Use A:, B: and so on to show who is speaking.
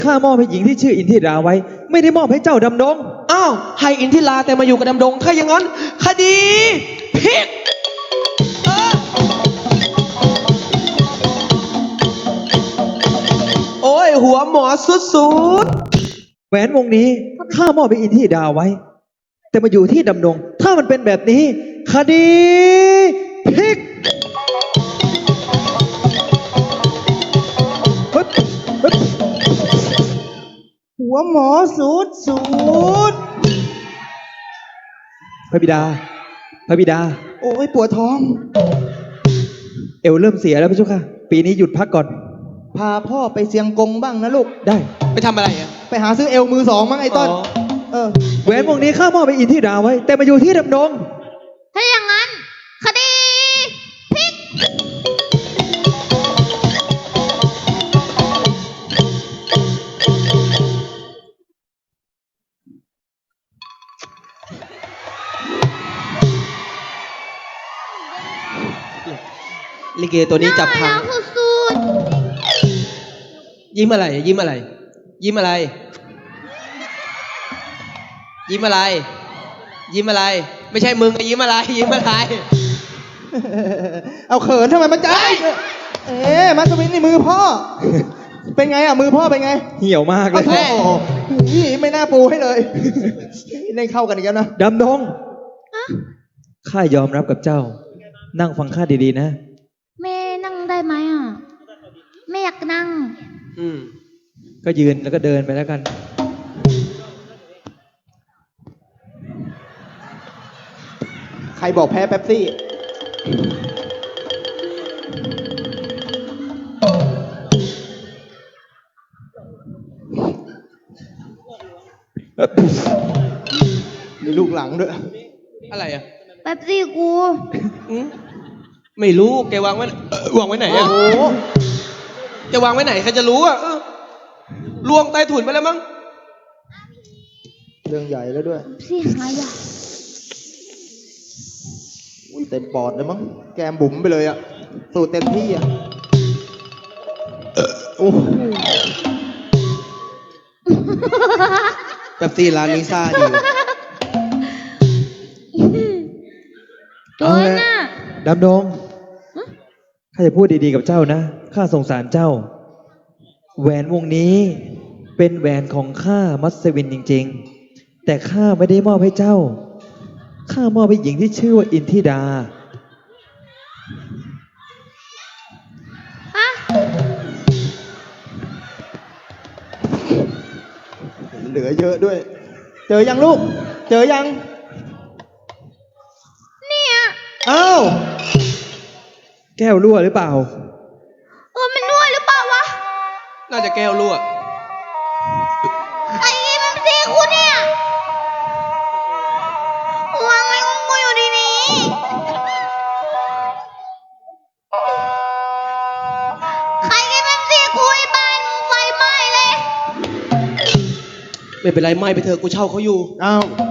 A: ข้ามอบให้หญิงที่ชื่ออินทิราไว้ไม่ได้มอบให้เจ้าดำดง
B: อ้าวให้อินทิราแต่มาอยู่กับดำดงถ้าอย่างนั้นคดีพลิกโอ้ยหัวหมอสุด
A: แหวนวงนี้ข้ามอบให้อินทิราไว้แต่มาอยู่ที่ดำดงถ้ามันเป็นแบบนี้คดีพลิก
C: หัวหมอสูด
A: พระบิดา
C: โอ้ยปวดท้อง
A: เอวเริ่มเสียแล้วพระเจ้าค่ะปีนี้หยุดพักก่อน
C: พาพ่อไปเชียงกงบ้างนะลูก
A: ได้
B: ๆไปทำอะไรอ่ะ
C: ไปหาซื้อเอวมือสองมั้งไอ้ต้น
A: แหวนวงนี้ข้ามอบให้อินทิราไว้แต่มาอยู่ที่ดำดง
D: ถ้าอย่างนั้นคดีพลิก
B: ลิเกตัวนี้จับพัง
D: น่ารักสุด
B: ยิ้มอะไรยิ้มอะไร ยิ้มอะไร ยิ้มอะไร ยิ้มอะไร ไม่ใช่มึงยิ้มอะไรยิ้มอะไร
C: เอาเขินทำไมมันใจมัสวินนี่มือพ่อ เป็นไงอ่ะมือพ่อเป็นไง
A: เหี่ยวมากเลย
C: โอ้โหไม่น่าปูให้เลยเล่นเข้ากันอีกแล้วนะ
A: ดำดงข้ายอมรับกับเจ้านั่งฟังข้าดีๆนะ
D: ๆแม่นั่งได้ไหมอ่ะแม่อยากนั่ง
A: ก็ยืนแล้วก็เดินไปแล้วกัน
C: ใครบอกแพ้เป๊ปซี่มีลูกหลังด้วย
B: อะไรอ่ะ
D: แป๊บสิกู
B: ไม่รู้แกวางไว้วางไว้ไหนอ่ะโอ้จะวางไว้ไหนใครจะรู้อ่ะลวงใต้ถุนไปแล้วมั้ง
C: เรื่องใหญ่แล้วด้วย
D: สิหายอ่ะ
C: อุ้ยเต็มปอดเลยมั้งแกมบุ๋มไปเลยอ่ะสูดเต็มที่อ่ะโอ้
B: แบบซีร้านนี้ซ่าดี
D: ตัวน่ะ
A: ดำดงข้าจะพูดดีๆกับเจ้านะข้าสงสารเจ้าแหวนวงนี้เป็นแหวนของข้ามัสวินจริงๆแต่ข้าไม่ได้มอบให้เจ้าข้ามอบให้หญิงที่ชื่อว่าอินทิดา
C: เหลือเยอะด้วย เจอยังลูก เจอยัง
D: เนี่ย
C: อ้าว
A: แก้วรั่วหรือเปล่า
D: มันนวดหรือเปล่าวะ
B: น่าจะแก้วรั่ว
D: ไอ้นี่มันสีกูเนี่ยวางไว้ของกูอยู่ดีนี้ใครกินเป็นสีกูไอ้บ้านมึงไฟไหม้เลย
B: ไม่เป็นไรไม่ไปเถอะกูเช่าเขาอยู่
C: อ้าว